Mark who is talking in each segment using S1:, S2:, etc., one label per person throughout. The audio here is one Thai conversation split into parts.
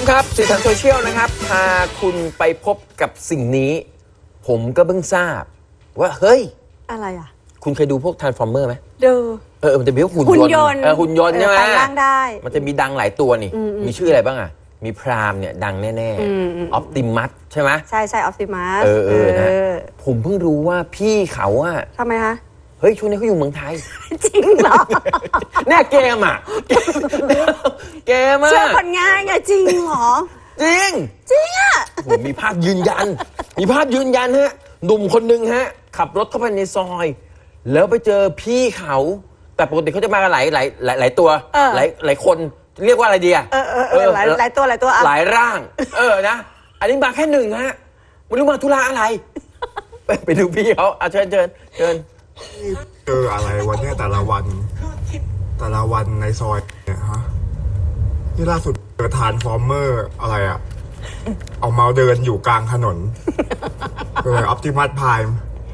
S1: ครับสีสันโซเชียลนะครับพาคุณไปพบกับสิ่งนี้ผมก็เพิ่งทราบว่าเฮ้ย
S2: อะไรอ่ะ
S1: คุณเคยดูพวก Transformer ไหม
S2: ดู
S1: มันจะมีพวกหุ่นยนต์หุ่นยนต์ใช่ไหม
S2: ร่างได้
S1: มันจะมีดังหลายตัวนี่มีชื่ออะไรบ้างอ่ะมีพรามเนี่ยดังแน่ๆออปติมัสใช่ไหม
S2: ใช่ออปติมัส
S1: นะผมเพิ่งรู้ว่าพี่เขาอะ
S2: ทำไมคะ
S1: เฮ้ยช่วงนี้เขาอยู่เมืองไทย
S2: จริงเหรอ
S1: แน่เกมอ่ะเกมอ่ะ
S2: เชื่อคนง่ายไงจริงเหรอ
S1: จริง
S2: อ่ะ
S1: มีภาพยืนยันฮะหนุ่มคนหนึ่งฮะขับรถเข้าไปในซอยแล้วไปเจอพี่เขาแต่ปกติเขาจะมากันหลายตัวหลายคนเรียกว่าอะไรดีอ่ะ
S2: หลายตัว
S1: หลายร่างนะอันนี้มาแค่หนึ่งฮะไม่รู้มาธุระอะไรไปดูพี่เขาเชิญเจ
S3: ออะไรวันนี้แต่ละวันในซอยเนี่ยฮะนี่ล่าสุดเจอทรานส์ฟอร์เมอร์อะไรอ่ะเอามาเดินอยู่กลางถนนออปติมัสไพร์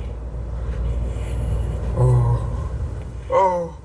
S3: โอ้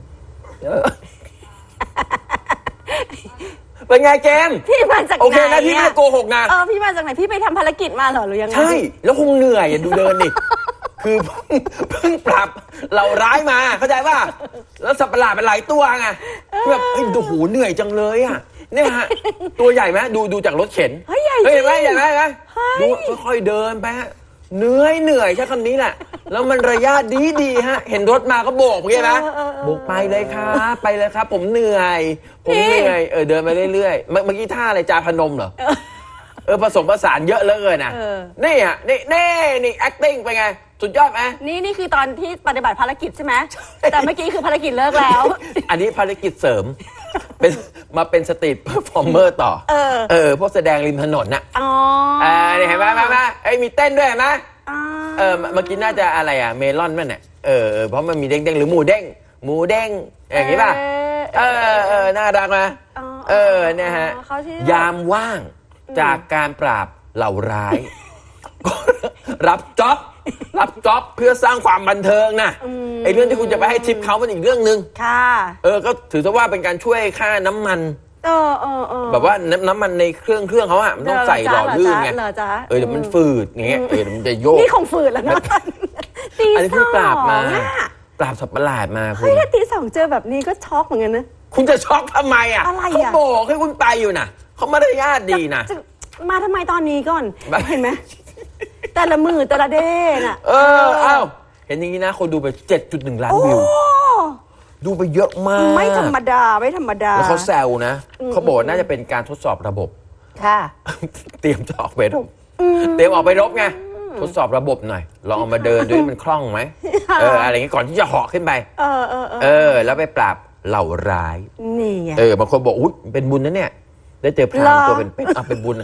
S1: เป็นไงเกม
S2: พี่มาจากไหน
S1: โอเคนะพี่ไม่ได้โกหกนะ
S2: พี่มาจากไหนพี่ไปทำภารกิจมาเหรอหรือยังไง
S1: ใช่แล้วคงเหนื่อยดูเดินดิคือเพิ่งปรับเหล่าร้ายมาเข้าใจป่ะแล้วสัตว์ประหลาดเป็นหลายตัวไงแบบโอ้โหเหนื่อยจังเลยอ่ะเนี่ยฮะตัวใหญ่ไหมดูจากรถเข็นเห็นไหมดูค่อยๆเดินไปฮะเหนื่อยใช้คำนี้แหละแล้วมันระยะดีฮะเห็นรถมาก็โบกเงี้ยนะโบกไปเลยครับผมเหนื่อยเดินไปเรื่อยๆเมื่อกี้ท่าอะไรจาพนมเหรอผสมผสานเยอะเลยนะนี่ฮะนี่ acting ไปไงสุดยอดไหม
S2: นี่คือตอนที่ปฏิบัติภารกิจใช่ไหมแต่เมื่อกี้คือภารกิจเลิกแล้ว
S1: อันนี้ภารกิจเสริมเป็นสตรีทเพอร์ฟอร์เมอร์ต่อพวกแสดงริมถนนน่ะนี่เห็นไหมมีเต้นด้วยเห็นไหมเมื่อกี้น่าจะอะไรอ่ะเมลอนมันเนี่ยเพราะมันมีเด้งหรือหมูเด้งอย่างนี้ป่ะน่ารักนะเนี่ยฮะยามว่างจากการปราบเหล่าร้ายรับจ็อบเพื่อสร้างความบันเทิงนะไอ้เรื่องที่คุณจะไปให้ทิปเขาเป็นอีกเรื่องนึง
S2: ค่ะ
S1: ก็ถือซะว่าเป็นการช่วยค่าน้ำมันแบบว่าน้ำมันในเครื่องเขาอะมันต้องใส่หล่อลื่นไงเดี๋ยวมันฝืดอย่างเงี้ยเดี๋ยวมันจะโยก
S2: นี่คงฝืดแล้วนะ
S1: อันนี้เพิ่งปราบสัตว์ประหลาดมา
S2: เฮ้ยถ้าตี 2เจอแบบนี้ก็ช็อกเหมือนกันนะ
S1: คุณจะช็อกทำไมอะเขาบอกให้คุณไปอยู่นะเขาไม่ได้ญาติดีนะ
S2: มาทำไมตอนนี้ก่อนเห็นไหมแต่ละมือแต่ละเด้น่ะ
S1: เห็นอย่างนี้นะคนดูไป 7.1 ล้านวิวดูไปเยอะมาก
S2: ไม่ธรรมดา
S1: แล้วเขาแซวนะเขาบอกน่าจะเป็นการทดสอบระบบ
S2: ค่ะ
S1: เตรียมจะออกไปรบไงทดสอบระบบหน่อยลองเอามาเดินด้วยมันคล่องไหมอะไรอย่างงี้ก่อนที่จะเหาะขึ้นไปแล้วไปปราบเหล่าร้าย
S2: นี่ไง
S1: บางคนบอกอุ๊ยเป็นบุญนะเนี่ยได้เจอพรามตัวเป็นบุญ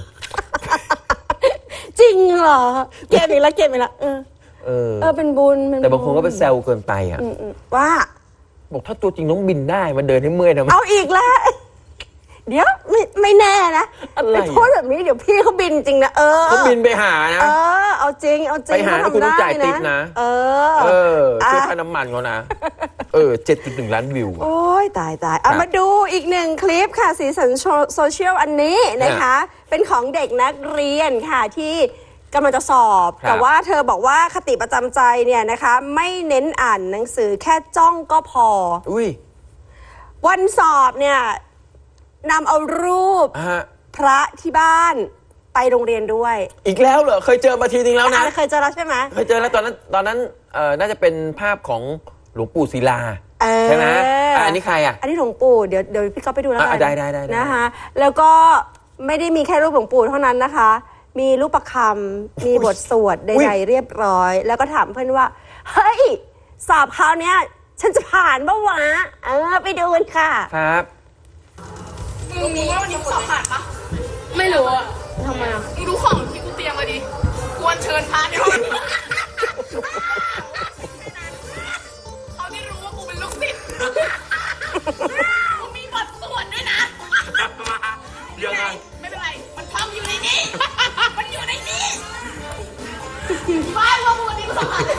S2: จริงเหรอเก็บอีกแล้วเป็นบุญ
S1: แต่บางคนก็ไปแซวเกินไปอ่ะ
S2: ว่า
S1: บอกถ้าตัวจริงน้องบินได้มาเดินให้เมื่อยทำไม
S2: เอาอีกแล้วเดี๋ยวไม่แน่นะไปพูดแบบนี้เดี๋ยวพี่เขาบินจริงนะ
S1: เขาบินไปหานะ
S2: เอาจริง
S1: ไปหาแล้วคุณต้องจ่ายติ๊บนะช่วยค่าน้ำมันเขานะ7.1 ล้านวิว
S2: โอ้ยตายเอามาดูอีกหนึ่งคลิปค่ะสีสันโซเชียลอันนี้นะคะเป็นของเด็กนักเรียนค่ะที่กำลังจะสอบแต่ว่าเธอบอกว่าคติประจำใจเนี่ยนะคะไม่เน้นอ่านหนังสือแค่จ้องก็พอวันสอบเนี่ยนำเอารูปพระที่บ้านไปโรงเรียนด้วย
S1: อีกแล้วเหรอเคยเจอมาทีนึงแล้วนะ
S2: เคยเจอแล้วใช่ไหม
S1: เคยเจอแล้วตอนนั้นน่าจะเป็นภาพของหลวงปู่ศิลาใช่ไหมอันนี้ใครอ่ะ
S2: อันนี้หลวงปู่เดี๋ยวพี่ก็ไปดูแล้วกัน
S1: ได้
S2: นะคะแล้วก็ไม่ได้มีแค่รูปหลวงปู่เท่านั้นนะคะมีรูปประคำมีบทสวดใดๆเรียบร้อยแล้วก็ถามเพื่อนว่าเฮ้ยสอบคราวนี้ฉันจะผ่านบ้างวะไปดูกันค่ะ
S1: ครับ
S4: มึงรู้ว่าวันนี้สอบผ่านปะ
S2: ไม่รู้อะทำไมอะ
S4: มึงรู้ของที่กูเตรียมมาดิกวนเชิญพระเนี่ยเขาที่รู้ว่ากูเป็นลูกศิษย์กูมีบทสวดด้วยนะ
S1: ยังไง
S4: ไม่เป็นไรมันท่องอยู่ในนี้มันอยู่ในนี้บ้าว่ามึงวันนี้กูสอบผ่าน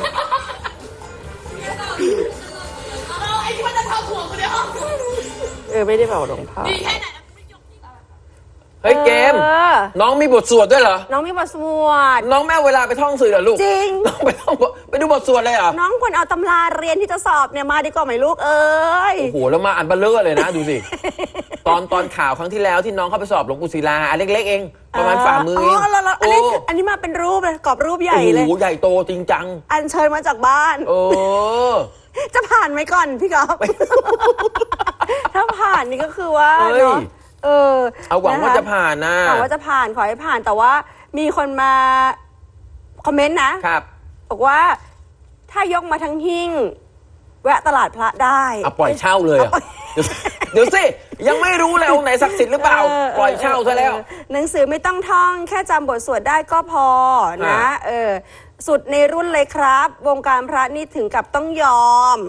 S4: ไอ้ที่มันจะทำหัวกูในห้อง
S2: ไม่ได้เป่าหลวงพ่อ
S4: ดีแค่ไหน
S1: เฮ้ยเกม น้องมีบทสวดด้วยเหรอ
S2: น้องมีบทสวด
S1: น้องไม่เอาเวลาไปท่องสื่อเหรอลูก
S2: จริง
S1: น้องไปดูบทสวดเลยเหรอ
S2: น้องควรเอาตำราเรียนที่จะสอบเนี่ยมาดีกว่าไหมลูกเอ้ย
S1: โอ้โหแล้วมาอันเบลเลอร์เลยนะดูสิ ตอนข่าวครั้งที่แล้วที่น้องเข้าไปสอบหลวงปู่ศิลาอันเล็กๆเองประมาณฝ่ามือเอง
S2: แล้วอันนี้มาเป็นรูปเลยกรอบรูปใหญ่เลย
S1: โอ้โหใหญ่โตจริงจัง
S2: อัญเชิญมาจากบ้าน
S1: เออ
S2: จะผ่านไหมก่อนพี่ก๊อฟ ถ้าผ่านนี่ก็คือว่า
S1: เอ้ย
S2: เนาะ
S1: เอาหวังว่าจะผ่านนะ
S2: หวังว่าจะผ่านขอให้ผ่านแต่ว่ามีคนมาคอมเมนต์นะครับ บอกว่าถ้ายกมาทั้งหิ้งแวะตลาดพระได้
S1: เอาปล่อยเช่าเลยอะเดี๋ยวสิยังไม่รู้เลยองค์ไหนศักดิ์สิทธิ์หรือเปล่าปล่อยเช่าซะแล้ว
S2: หนังสือไม่ต้องท่องแค่จำบทสวดได้ก็พอนะสุดในรุ่นเลยครับ วงการพระนี่ถึงกับต้องยอม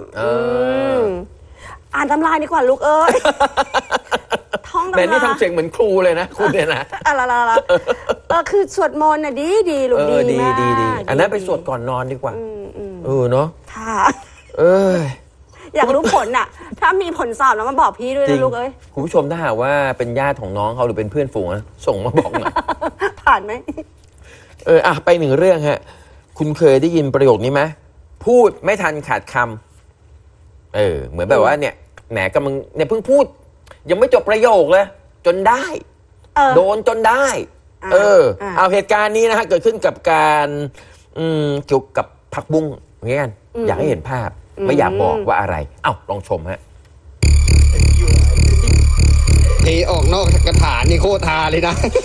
S2: อ่านตำราดีกว่าลูกเอ้ย ท่องตำรา
S1: แต่นี่ทำเสียงเหมือนครูเลยนะคุณเนี่ยนะ
S2: คือสวดมนต์น่ะดีลูกดีมาก
S1: ดีอันนั้นไปสวดก่อนนอนดีกว่าเนาะ
S2: ค่ะ
S1: ย
S2: อยากรู้ผลน่ะ ถ้ามีผลสอบแล้วมาบอกพี่ด้วย
S1: จริ
S2: นะ
S1: ง
S2: ลูกเอ้ย
S1: คุณผู้ชมถ้าหากว่าเป็นญาติของน้องเขาหรือเป็นเพื่อนฝูงนะส่งมาบอกหน่อย
S2: ผ่านไหม
S1: ไปหนึ่งเรื่องฮะคุณเคยได้ยินประโยคนี้ไหมพูดไม่ทันขาดคำเหมือนแบบว่าเนี่ยแหมกำลังเนี่ยเพิ่งพูด ยังไม่จบประโยคเลยจนได้ โดนจนได้เอาเหตุการณ์นี้นะฮะเกิดขึ้นกับการเกี่ยวกับผักบุ้งอย่างเงี้ยกันอยากให้เห็นภาพไม่อยากบอกว่าอะไรเอ้าลองชมฮะ
S5: เทออกนอกกระถางนี่โคตรฮาเลยนะ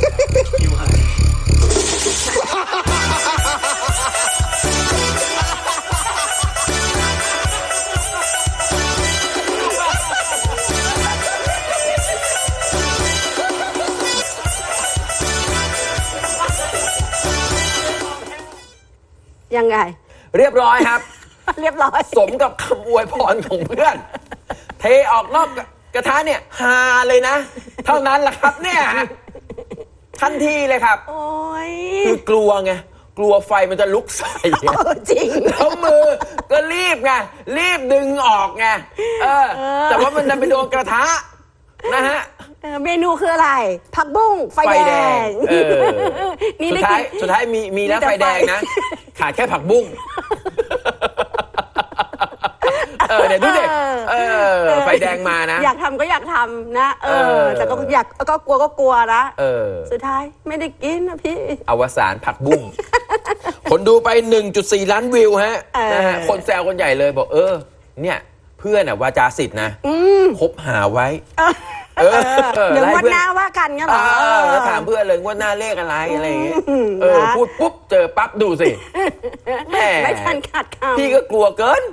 S2: ยังไง
S1: เรียบร้อยครับ
S2: เรียบร้อย
S1: สมกับคำอวยพรของเพื่อน เทออกนอกกระทะเนี่ยฮาเลยนะ เท่านั้นแหละครับเนี่ยทันทีเลยครับ
S2: โอ้ย
S1: คือกลัวไงกลัวไฟมันจะลุกใส่ไง
S2: จริง
S1: แล้วมือก็รีบไงรีบดึงออกไงแต่ว่ามันจะไปโดนกระทะนะฮะ
S2: เมนูคืออะไร ผักบุ้งไฟแดง นี่
S1: สุ
S2: ได้
S1: ดท้าย
S2: กิน
S1: สุดท้ายมีแล้ว
S2: มีแต่
S1: ไฟแดงนะ ขาดแค่ผักบุ้งเนี่ยดูดิไฟแดงมานะ
S2: อยากทำก็อยากทำนะแต่ก็อยากก็กลัวนะสุดท้ายไม่ได้กินนะพี่
S1: อวสานผักบุ้ง คนดูไป 1.4 ล้านวิวฮะนะฮะคนแซวคนใหญ่เลยบอกเนี่ยเพื่อนวาจาสิทธิ์นะคบหาไว้
S2: หรือว่าหน้าว่ากันเงี้ยเหรอ
S1: แล้วถามเพื่อนเลยว่าหน้าเลขอะไรอะไรอย่างเงี้ยพูดปุ๊บเจอปั๊บดูสิ
S2: ไม่ทันขาดคำ
S1: พี่ก็กลัวเกิน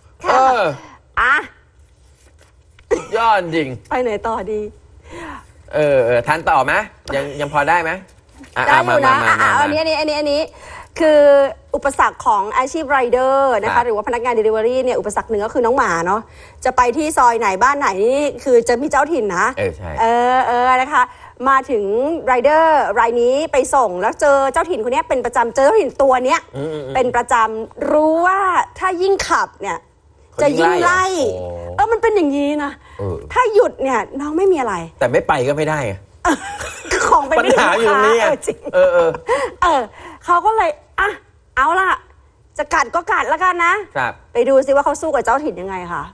S1: ยอดจริง
S2: ไปไหนต่อดี
S1: ทันต่อไหมยังพอได้ไหม
S2: ได้อยู่นะอันนี้คืออุปสรรคของอาชีพไรเดอร์นะคะหรือว่าพนักงาน Delivery เนี่ยอุปสรรคหนึ่งก็คือน้องหมาเนาะจะไปที่ซอยไหนบ้านไหนนี่คือจะมีเจ้าถิ่นนะ
S1: ใช่
S2: นะคะมาถึงไรเดอร์รายนี้ไปส่งแล้วเจอเจ้าถิ่นคนนี้เป็นประจำเจอเจ้าถิ่นตัวเนี้ยเป็นประจำรู้ว่าถ้ายิ่งขับเนี่ยจะยิ่งไล่มันเป็นอย่างนี้นะถ้าหยุดเนี่ยน้องไม่มีอะไร
S1: แต่ไม่ไปก็ไม่ได้
S2: ของไป
S1: ปัญหาอยู่ตรงนี้
S2: จริงเขาก็เลยเอาล่ะจะกัดก็กัดแล้วกันนะครับไปดูซิว่าเขาสู้กับเจ้าถิ่นยังไงค่ะ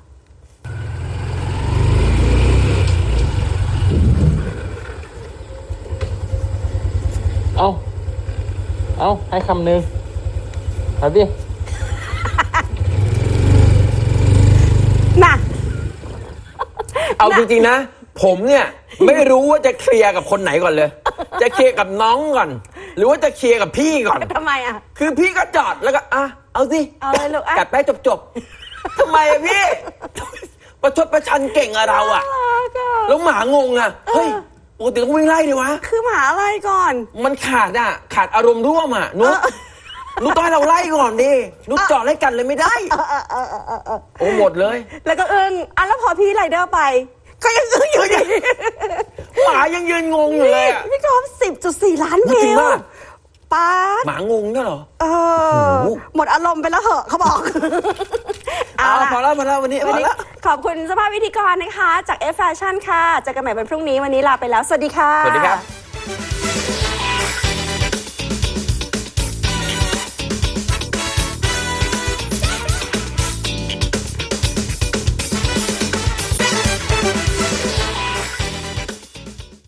S6: เอาให้คำหนึ่งครับพี่
S2: น่ะ
S1: เอาจริงๆนะผมเนี่ยไม่รู้ว่าจะเคลียร์กับคนไหนก่อนเลย จะเคลียร์กับน้องก่อนหรือว่าจะเคลียร์กับพี่ก่อน
S2: ทำไม
S1: คือพี่ก็จอดแล้วก็เอาสิ
S2: เอาเลยลูก
S1: กัดไปจบทำไมพี่ประชดประชันเก่งอะเราอะแล้วหมางงอะเฮ้ยปกติต้องวิ่งไล่ดิวะ
S2: คือหมาอะไรก่อน
S1: มันขาดอารมณ์ร่วมอะนุ๊กต้องให้เราไล่ก่อนดินุ๊กจอดไล่กันเลยไม่ได้โอ้หมดเลย
S2: แล้วก็แล้วพอพี่ไรเดอร์ไปก็ยังอยู่อย่างนี้
S1: หมายังยืนงงอยู่เลย
S2: พี่กอล์ฟ10.4 ล้านวิวป๊า
S1: หมางงเนี่ยเหรอ
S2: หมดอารมณ์ไปแล้วเหอะเขาบอก
S1: พอแล้ววันนี้
S2: ขอบคุณสภาพวิธีกรนะคะจาก F Fashion ค่ะเจอกันใหม่วันพรุ่งนี้วันนี้ลาไปแล้วสวัสดีค่ะ
S1: สวัสดีครับ
S2: ะ